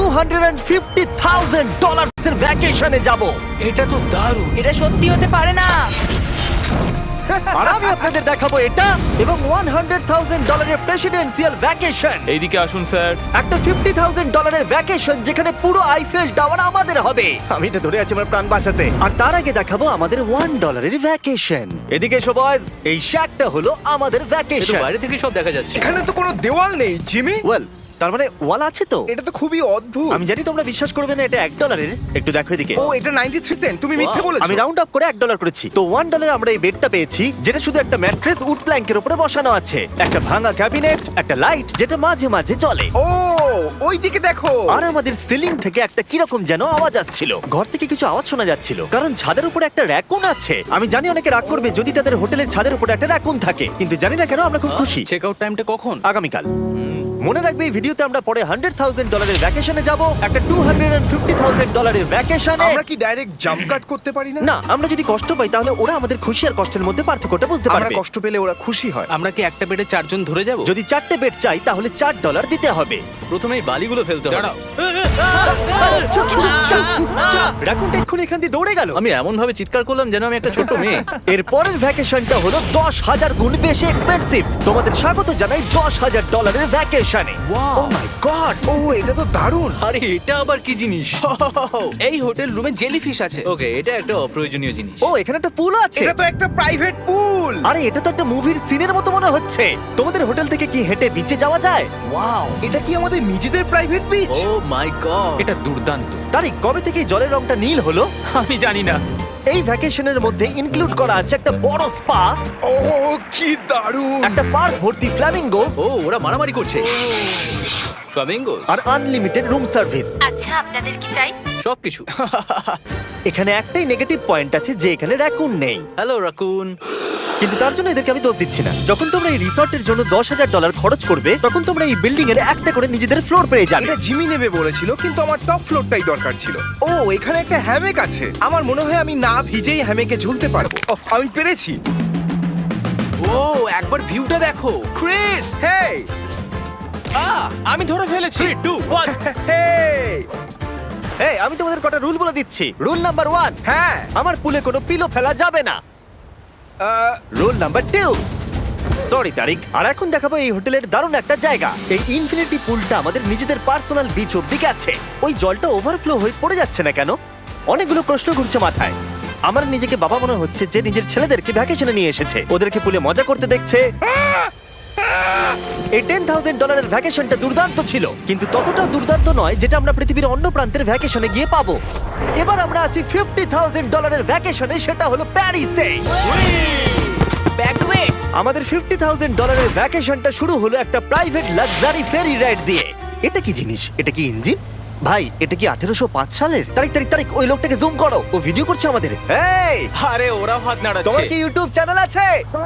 $250,000 এর ভ্যাকেশনে যাব। এটা তো দারুণ। এটা সত্যি হতে পারে না। আর আমি আপনাদের দেখাবো এটা এবং $100,000 এর প্রেসিডেন্সিয়াল ভ্যাকেশন। এইদিকে আসুন স্যার। একটা $50,000 এর ভ্যাকেশন যেখানে পুরো আইফেল টাওয়ার আমাদের হবে। আমি এটা ধরে আছি আমার প্রাণ বাঁচাতে। আর তার আগে দেখাবো আমাদের $1 এর ভ্যাকেশন। এদিকে এসো বয়স, এই শ্যাকটা হলো আমাদের এটা ভ্যাকেশন। বাইরে থেকে সব দেখা যাচ্ছে। এখানে তো কোনো দেওয়াল নেই জিমি। ওয়েল, তার মানে ওয়াল আছে তো? এটা তো খুবই অদ্ভুত। আমি জানি তোমরা বিশ্বাস করবে না, এটা $1 একটু দেখো এদিকে। ও এটা 93 সেন্ট, তুমি মিথ্যে বলেছো। আমি রাউন্ড আপ করে $1 করেছি। তো $1 আমরা এই বেডটা পেয়েছি, যেটা শুধু একটা ম্যাট্রেস উড প্ল্যাঙ্কের উপরে বসানো আছে, একটা ভাঙা ক্যাবিনেট, একটা লাইট যেটা মাঝে মাঝে চলে। ও ওই দিকে দেখো। আর আমাদের সিলিং থেকে একটা কিরকম যেন আওয়াজ আসছিল। ঘর থেকে কিছু আওয়াজ শোনা যাচ্ছিল, কারণ ছাদের উপরে একটা র‍্যাকুন আছে। আমি জানি অনেকে রাগ করবে যদি তাদের হোটেলের ছাদের উপরে একটা র‍্যাকুন থাকে, কিন্তু জানি না কেন আমরা খুব খুশি। চেক আউট টাইমটা কখন? আগামীকাল। মনে রাখবে এই ভিডিওতে আমরা পরে $100,000 এর ভ্যাকেশনে যাব, একটা $250,000 এর ভ্যাকেশনে। আমরা কি ডাইরেক্ট জাম্প কাট করতে পারি না? না, আমরা যদি কষ্ট পাই তাহলে ওরা আমাদের খুশি আর কষ্টের মধ্যে পার্থক্যটা বুঝতে আমরা পারবে। কষ্ট পেলে ওরা খুশি হয়। আমরা কি একটা বেডে 4 জন ধরে যাব? যদি 4টে বেড চাই তাহলে $4 দিতে হবে। প্রথমে এই বালিগুলো ফেলতে হবে। দাঁড়াও। রাকুনটা এক্ষুনি এখান দিয়ে দৌড়ে গেল। আমি এমন ভাবে চিৎকার করলাম যেন আমি একটা ছোট মেয়ে। এর পরের ভ্যাকেশনটা হলো 10,000 গুণ বেশি এক্সপেন্সিভ। তোমাদের স্বাগত জানাই $10,000 এর ভ্যাকেশনে। ও মাই গড, ও এটা তো দারুণ। আরে এটা আবার কি জিনিস? এই হোটেল রুমে জেলিফিশ আছে। ওকে, এটা একটা অপ্রয়োজনীয় জিনিস। ও এখানে একটা পুল আছে। এটা তো একটা প্রাইভেট পুল। আরে এটা তো একটা মুভির সিনের মতো মনে হচ্ছে। তোমাদের হোটেল থেকে কি হেঁটে বিচে যাওয়া যায়? ওয়াও। এটা কি আমাদের নিজেদের private beach? Oh my god. এটা দুর্দান্ত। তারিক, কবে থেকে এই জলের রংটা নীল হলো? আমি জানি না। এই ভ্যাকেশনের মধ্যে ইনক্লুড করা আছে একটা বড় স্পা, ও কি দারুণ। একটা পার্ক ভর্তি ফ্ল্যামিঙ্গোস ও ওরা মারামারি করছে। ফ্লামিঙ্গোস আর আনলিমিটেড রুম সার্ভিস। আচ্ছা, আপনাদের কি চাই? সবকিছু। এখানে একটাই নেগেটিভ পয়েন্ট আছে যে এখানে র‍্যাকুন নেই, হ্যালো রাকুন। কিন্তু তার জন্য এদেরকে আমি দোষ দিচ্ছি না। যখন তোমরা এই রিসর্টের জন্য $10,000 খরচ করবে, তখন তোমরা এই বিল্ডিং এর একটা করে নিজেদের ফ্লোর পেয়ে যাবে। এটা জিমি নেবে বলেছিল, কিন্তু আমার টপ ফ্লোরটাই দরকার ছিল। ও এখানে একটা হ্যামেক আছে। আমার মনে হয় আমি না ভিজেই হ্যামেকে ঝুলতে পারবো। ওহ, আমি পেরেছি। ও একবার ভিউটা দেখো ক্রিস। হেই আমি ধরে ফেলেছি। 3 2 1 হেই। এই, আমি তোমাদের কটা রুল বলে দিচ্ছি। রুল নাম্বার 1, হ্যাঁ আমার পুলে কোনো পিলো ফেলা যাবে না। Rule number 2, sorry Tariq. আর এখন দেখাবো এই হোটেলের দারুণ একটা জায়গা। এই ইনফিনিটি পুলটা আমাদের নিজেদের পার্সোনাল বিচ অব্দি আছে। ওই জলটা ওভারফ্লো হয়ে পড়ে যাচ্ছে না কেন? অনেকগুলো প্রশ্ন ঘুরছে মাথায়। আমার নিজেকে বাবা মনে হচ্ছে যে নিজের ছেলেদেরকে ভ্যাকেশনে নিয়ে এসেছে, ওদেরকে পুলে মজা করতে দেখছে। এই $10,000 এর ভ্যাকেশনটা দুর্দান্ত ছিল, কিন্তু ততটাও দুর্দান্ত নয় যেটা আমরা পৃথিবীর অন্য প্রান্তের ভ্যাকেশনে গিয়ে পাবো। এবার আমরা আছি $50,000 এর ভ্যাকেশনে, সেটা হলো প্যারিসে। ব্যাকওয়েটস। আমাদের $50,000 এর ভ্যাকেশনটা শুরু হলো একটা প্রাইভেট লাক্সারি ফেরি রাইড দিয়ে। এটা কি জিনিস? এটা কি ইঞ্জিন? ভাই, এটা কি 1805 সালের? তারিক তারিক তারিক, ওই লোকটাকে জুম করো, ও ভিডিও করছে আমাদের। এই, আরে ওরা হাত তোমার নাড়াচ্ছে। কি ইউটিউব চ্যানেল আছে?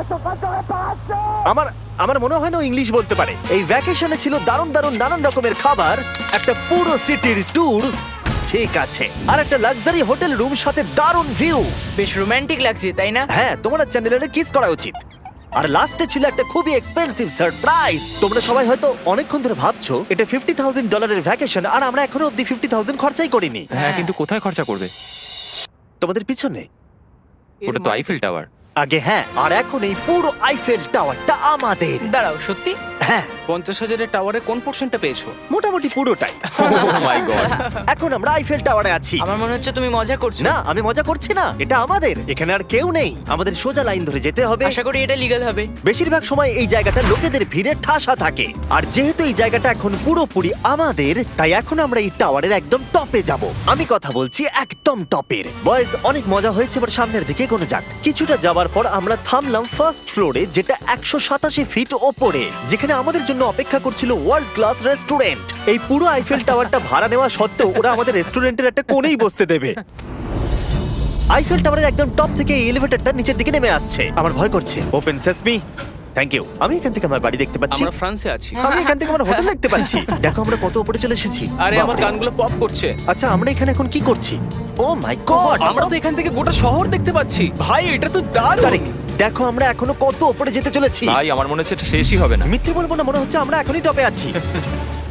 আমার মনে হয় না ও ইংলিশ বলতে পারে। এই ভ্যাকেশনে ছিল দারুণ দারুণ নানান রকমের খাবার, একটা পুরো সিটির ট্যুর, ঠিক আছে, আর একটা লাক্সারি হোটেল রুম সাথে দারুণ ভিউ। বেশ রোমান্টিক লাগছে, তাই না? হ্যাঁ, তোমার চ্যানেলের কিস করা উচিত। আর লাস্টে ছিল একটা খুবই এক্সপেন্সিভ সারপ্রাইজ। তোমরা সবাই হয়তো অনেকক্ষণ ধরে ভাবছো এটা $50,000 এর ভ্যাকেশন, আর আমরা এখনো অব্দি 50,000 খরচাই করিনি। হ্যাঁ, কিন্তু কোথায় খরচা করবে? তোমাদের পিছনে ওটা তো আইফেল টাওয়ার। আগে, হ্যাঁ, আর এখন এই পুরো আইফেল টাওয়ারটা আমাদের। দাঁড়াও, সত্যি? হ্যাঁ, 50,000 টাওয়ারের কোন পোরশনটা পেয়েছো? মোটামুটি পুরোটাই। Oh my god. এখন আমরা আইফেল টাওয়ারে আছি। আমার মনে হচ্ছে তুমি মজা করছো। না, আমি মজা করছি না, এটা আমাদের। এখানে আর কেউ নেই, আমাদের সোজা লাইন ধরে যেতে হবে। আশা করি এটা লিগ্যাল হবে। বেশিরভাগ সময় এই জায়গাটা লোকেদের ভিড়ে ঠাসা থাকে, আর যেহেতু এই জায়গাটা এখন পুরোপুরি আমাদের, তাই এখন আমরা এই টাওয়ারের একদম টপে যাব। আমি কথা বলছি একদম টপের। বয়েজ, অনেক মজা হয়েছে, এবার সামনের দিকে কোনো যাক। কিছুটা যাওয়ার পর আমরা থামলাম ফার্স্ট ফ্লোরে, যেটা 187 ফিট ওপরে, যেখানে আমাদের জন্য অপেক্ষা করছিল ওয়ার্ল্ড ক্লাস রেস্টুরেন্ট। এই পুরো আইফেল টাওয়ারটা ভাড়া নেওয়া সত্ত্বেও ওরা আমাদের রেস্টুরেন্টের একটা কোণেই বসতে দেবে। আইফেল টাওয়ারের একদম টপ থেকে এই এলিভেটরটা নিচের দিকে নেমে আসছে। আমার ভয় করছে। Open sesame. Thank you. আমি এখান থেকে আমার বাড়ি দেখতে পাচ্ছি। আমরা ফ্রান্সে আছি। আমি এখান থেকে আমার হোটেল দেখতে পাচ্ছি। দেখো আমরা কত উপরে চলে এসেছি। আরে আমার বাপরে। কানগুলো পপ করছে। আচ্ছা, আমরা এখানে এখন কি করছি? ও মাই গড, আমরা তো এখান থেকে গোটা শহর দেখতে পাচ্ছি। ভাই এটা তো দারুণ। তারিক, দেখো আমরা এখনো কত উপরে যেতে চলেছি। ভাই, আমার মনে হচ্ছে এটা শেষই হবে না। মিথ্যে বলবো না, মনে হচ্ছে আমরা এখনই টপে আছি।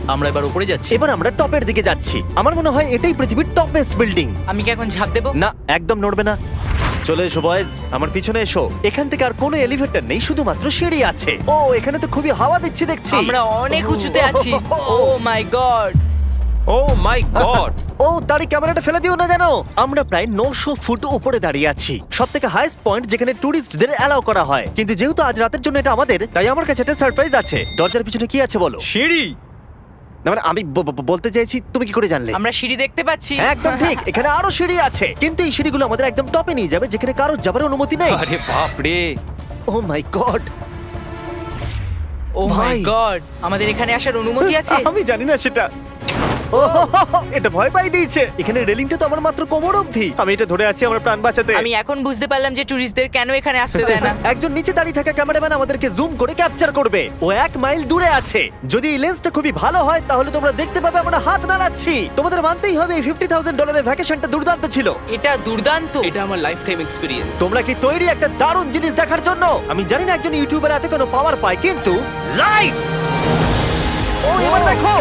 আমরা এবার উপরে যাচ্ছি। এবার আমরা টপের দিকে যাচ্ছি। আমার মনে হয় এটাই পৃথিবীর টপেস্ট বিল্ডিং। আমি কি এখন ঝাঁপ দেবো? না, একদম নড়বে না। চলে এসো বয়েজ, আমার পিছনে এসো। এখান থেকে আর কোনো এলিভেটর নেই, শুধুমাত্র সিঁড়ি আছে। ও, এখানে তো খুবই হাওয়া দিচ্ছে দেখছি। আমরা অনেক উঁচুতে আছি। ও my god! O my god! ও, দাঁড়ি ক্যামেরাটা ফেলে দিও না জানো। আমরা প্রায় 900 ফুট উপরে দাঁড়িয়ে আছি, সব থেকে হাইস্ট পয়েন্ট যেখানে টুরিস্টদের অ্যালাউ করা হয়। কিন্তু যেহেতু আজ রাতের জন্য এটা আমাদের, তাই আমার কাছে একটা সারপ্রাইজ আছে। দরজার পিছনে কি আছে বলো? সিঁড়ি। না মানে আমি বলতে চাইছি, তুমি কি করে জানলে? আমরা সিঁড়ি দেখতে পাচ্ছি। হ্যাঁ, একদম ঠিক, এখানে আরো সিঁড়ি আছে। কিন্তু এই সিঁড়িগুলো আমাদের একদম টপে নিয়ে যাবে, যেখানে কারোর যাবার অনুমতি নেই। আরে বাপ রে! ও মাই গড! ও মাই ভাই। গড! আমাদের এখানে আসার অনুমতি আছে? আমি জানি না সেটা। ও, এটা ভয় পাই দিয়েছে। এখানে রেলিংটা তো আমার মাত্র কোমর অবধি। আমি এটা ধরে আছি আমার প্রাণ বাঁচাতে। আমি এখন বুঝতে পারলাম যে টুরিস্টদের কেন এখানে আসতে দেয় না। একজন নিচে দাঁড়িয়ে থাকা ক্যামেরাম্যান আমাদেরকে জুম করে ক্যাপচার করবে। ও 1 মাইল দূরে আছে। যদি এই লেন্সটা খুবই ভালো হয় তাহলে তোমরা দেখতে পাবে আমরা হাত নাড়াচ্ছি। তোমাদের মানতেই হবে এই $50,000 ভ্যাকেশনটা দুর্দান্ত ছিল। এটা দুর্দান্ত। এটা আমার লাইফ টাইম এক্সপিরিয়েন্স। তোমরা কি তৈরি একটা দারুণ জিনিস দেখার জন্য? আমি জানি না একজন ইউটিউবার এত কোনো পাওয়ার পায়, কিন্তু লাইটস! ও, এবার দেখো,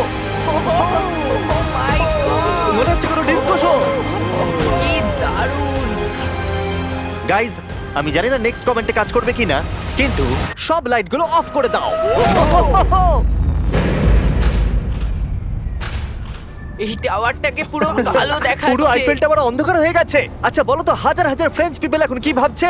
মনে হচ্ছে কোনো ডিস্কো শো। কি দারুণ! গাইজ, আমি জানি না নেক্সট কমেন্টে কাজ করবে কিনা, কিন্তু সব লাইটগুলো অফ করে দাও। এই টাওয়ারটাকে পুরো কালো দেখাচ্ছে। পুরো আইফেল টাওয়ার অন্ধকার হয়ে গেছে। আচ্ছা বলো তো, হাজার হাজার ফ্রেঞ্চ পিপল এখন কি ভাবছে?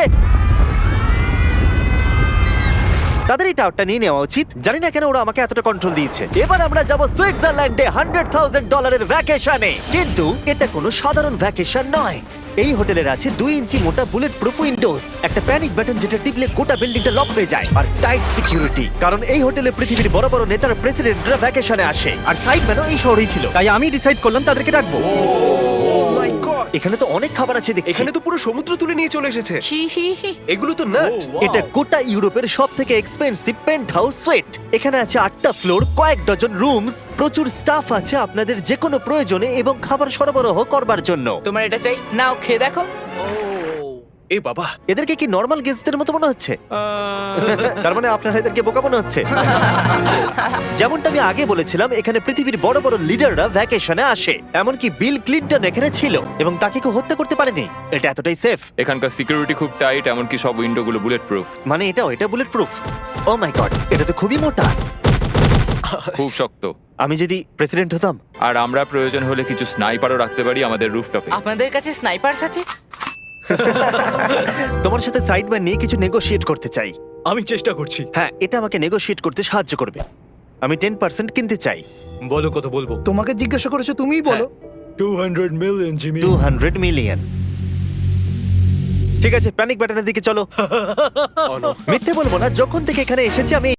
তাদের এই টাওয়ারটা নিয়ে নেওয়া উচিত। জানি না কেন ওরা আমাকে এতটা কন্ট্রোল দিয়েছে। এবার আমরা যাব সুইজারল্যান্ডে $100,000 ভ্যাকেশনে। কিন্তু এটা কোনো সাধারণ ভ্যাকেশন নয়। এই হোটেলের আছে 2 ইঞ্চি মোটা বুলেট প্রুফ উইন্ডোজ, একটা প্যানিক বাটন যেটা টিপলে গোটা বিল্ডিংটা লক হয়ে যায়, আর টাইট সিকিউরিটি। কারণ এই হোটেলে পৃথিবীর বড় বড় নেতার প্রেসিডেন্টরা ভ্যাকেশনে আসে। আর সাইডম্যানও এই শহরেই ছিল, তাই আমি ডিসাইড করলাম তাদেরকে ডাকবো। মাই গড, এখানে তো অনেক খাবার আছে দেখছি। এখানে তো পুরো সমুদ্র তুলে নিয়ে চলে এসেছে। হি হি হি। এগুলো তো নাট। এটা গোটা ইউরোপের সব থেকে এক্সপেন্সিভ পেন্ট হাউস সুইট। এখানে আছে 8টা ফ্লোর, কয়েক ডজন রুমস, প্রচুর স্টাফ আছে আপনাদের যে কোনো প্রয়োজনে এবং খাবার সরবরাহ করবার জন্য। তোমার এটা চাই? নাও খেয়ে দেখো। এ বাবা, এদেরকে কি নর্মাল গেস্টদের মতো মনে হচ্ছে? তার মানে আপনারা এদেরকে বোকা মনে হচ্ছে। যেমনটা আমি আগে বলেছিলাম, এখানে পৃথিবীর বড় বড় লিডাররা ভ্যাকেশনে আসে। এমনকি বিল ক্লিনটন এখানে ছিল এবং তাকে কেউ হত্যা করতে পারেনি। এটা এতটাই সেফ। এখানকার সিকিউরিটি খুব টাইট, এমনকি সব উইন্ডোগুলো বুলেট প্রুফ। মানে এটা bullet proof. Oh my god, এটা তো খুবই মোটা। খুব শক্ত। আমি যদি প্রেসিডেন্ট হতাম। আর আমরা প্রয়োজন হলে কিছু স্নাইপারও রাখতে পারি আমাদের রুফটপে। আপনাদের কাছে স্নাইপারস আছে? তোমার সাথে সাইডম্যান নিয়ে কিছু নেগোশিয়েট করতে চাই। আমি চেষ্টা করছি। হ্যাঁ, এটা আমাকে নেগোশিয়েট করতে সাহায্য করবে। আমি 10% কিনতে চাই। বলো কত বলবো? তোমাকে জিজ্ঞাসা করেছো, তুমিই বলো। 200 মিলিয়ন জিমি। 200 মিলিয়ন। ঠিক আছে, প্যানিক বাটনের দিকে চলো। মিথ্যে বলবো না, যখন থেকে এখানে এসেছি আমি